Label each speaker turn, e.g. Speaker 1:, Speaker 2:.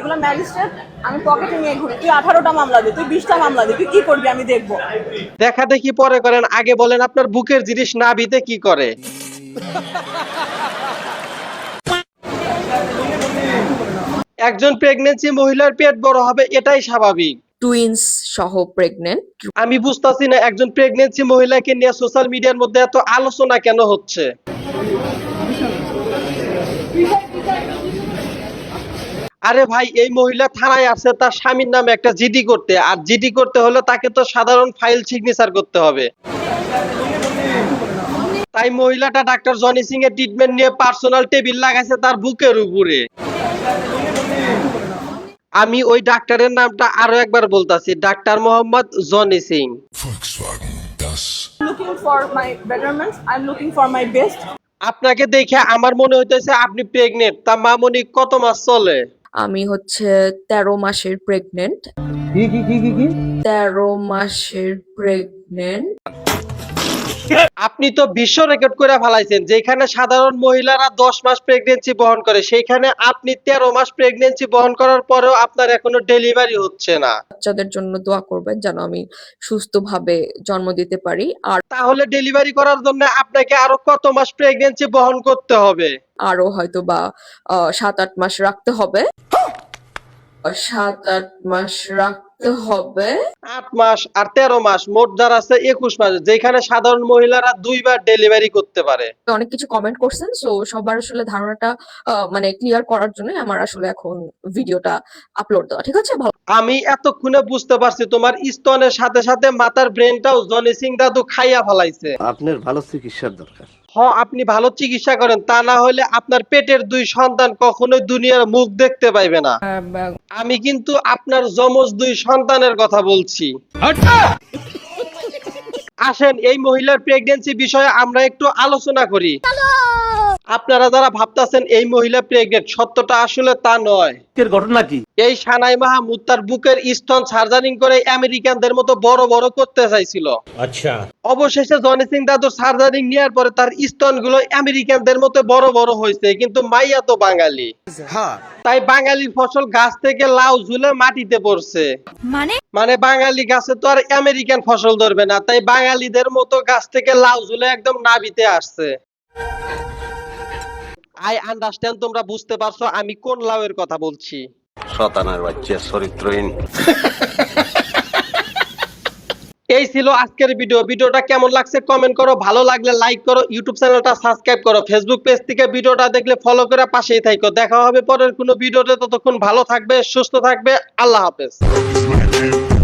Speaker 1: এগুলো ম্যাজিস্ট্রেট, আমি পকেটে নিয়ে ঘুরি। তুই 18টা মামলা দে, তুই 20টা মামলা দে, তুই কি করবি আমি দেখবো।
Speaker 2: দেখা দেখি পরে করেন, আগে বলেন আপনার বুকের জিনিস নাভিতে কি করে? একজন প্রেগন্যান্সি মহিলার পেট বড় হবে, এটাই স্বাভাবিক।
Speaker 3: টুইন্স সহ প্রেগনেন্ট।
Speaker 2: আমি বুঝতাছি না একজন প্রেগন্যান্সি মহিলাকে নিয়ে সোশ্যাল মিডিয়ার মধ্যে এত আলোচনা কেন হচ্ছে। আরে ভাই, এই মহিলা থানায় আসছে তার স্বামীর নামে একটা জিডি করতে, আর জিডি করতে হলে তাকে তো সাধারণ ফাইল সিগনেচার করতে হবে। তাই মহিলাটা ডাক্তার জনি সিং এর ট্রিটমেন্ট নিয়ে পার্সোনাল টেবিল লাগাইছে তার বুকের উপরে। আমি ওই ডাক্তারের নামটা আরো একবার বলতাছি, doctor Mohammad Johnny Singh.
Speaker 1: Looking for my betterment, I am looking for my best.
Speaker 2: আপনাকে দেখে আমার মনে হইতেছে আপনি প্রেগনেন্ট। তা মামনি কত মাস চলে?
Speaker 3: আমি হচ্ছে 13 মাসের প্রেগনেন্ট। 13 মাসের প্রেগনেন্ট।
Speaker 2: আপনি তো বিশ্ব রেকর্ড করে ফেলাইছেন, যেখানে সাধারণ মহিলারা 10 মাস প্রেগন্যান্সি বহন করে, সেখানে আপনি 13 মাস প্রেগন্যান্সি বহন করার পরেও আপনার এখনো ডেলিভারি হচ্ছে না।
Speaker 3: বাচ্চাদের জন্য দোয়া করবেন যেন আমি সুস্থভাবে জন্ম দিতে পারি। আর
Speaker 2: তাহলে ডেলিভারি করার জন্য আপনাকে আরো কত মাস প্রেগন্যান্সি বহন করতে হবে?
Speaker 3: আরো হয়তো বা 7-8 মাস রাখতে হবে। 7-8 মাস রাখতে হবে।
Speaker 2: 8 মাস আর 13 মাস, মোট যার আছে 21 মাস, যেখানে সাধারণ মহিলারা 2 বার ডেলিভারি করতে পারে।
Speaker 3: অনেক কিছু কমেন্ট করছেন, সো সবার আসলে ধারণাটা মানে ক্লিয়ার করার জন্য আমার আসলে এখন ভিডিওটা আপলোড দেওয়া। ঠিক আছে?
Speaker 2: আমি এতক্ষণে বুঝতে পারছি তোমার স্তনের সাথে সাথে মাথার ব্রেনটাও জনি সিং দাদু খাইয়া ফেলাইছে।
Speaker 4: আপনার ভালো চিকিৎসার দরকার।
Speaker 2: আপনি ভালো চিকিৎসা করেন, তা না হলে আপনার পেটের 2 সন্তান কখনোই দুনিয়ার মুখ দেখতে পাইবে না। আমি কিন্তু আপনার যমজ 2 সন্তানের কথা বলছি। আসেন এই মহিলার প্রেগন্যান্সি বিষয়ে আমরা একটু আলোচনা করি। আপনারা যারা ভাবতাছেন এই মহিলা প্রেগনেন্ট, সত্যটা আসলে তা নয়।
Speaker 4: এর ঘটনা কি?
Speaker 2: এই সানাই মাহমুদ তার বুকের স্তন সার্জারিং করে আমেরিকানদের মতো বড় বড় করতে চাইছিল।
Speaker 4: আচ্ছা।
Speaker 2: অবশেষে জনি সিং দাদুর সার্জারিং নেওয়ার পরে তার স্তনগুলো আমেরিকানদের মতো বড় বড় হয়েছে, কিন্তু মাইয়া তো বাঙালি। তাই বাঙালির ফসল গাছ থেকে লাউ ঝুলে মাটিতে পড়ছে। মানে বাঙালি গাছে তো আর আমেরিকান ফসল ধরবে না, তাই বাঙালিদের মতো গাছ থেকে লাউ ঝুলে একদম নাভিতে আসছে। আই আন্ডারস্ট্যান্ড, তোমরা বুঝতে পারছো আমি কোন লাউয়ের কথা বলছি।
Speaker 4: শতানার বাচ্চা চরিত্রহীন।
Speaker 2: এই ছিল আজকের ভিডিওটা কেমন লাগছে কমেন্ট করো, ভালো লাগলে লাইক করো, ইউটিউব চ্যানেলটা সাবস্ক্রাইব করো, ফেসবুক পেজ থেকে ভিডিওটা দেখলে ফলো করে পাশেই থাকো। দেখা হবে পরের কোনো ভিডিওতে, ততক্ষণ ভালো থাকবে, সুস্থ থাকবে, আল্লাহ হাফেজ।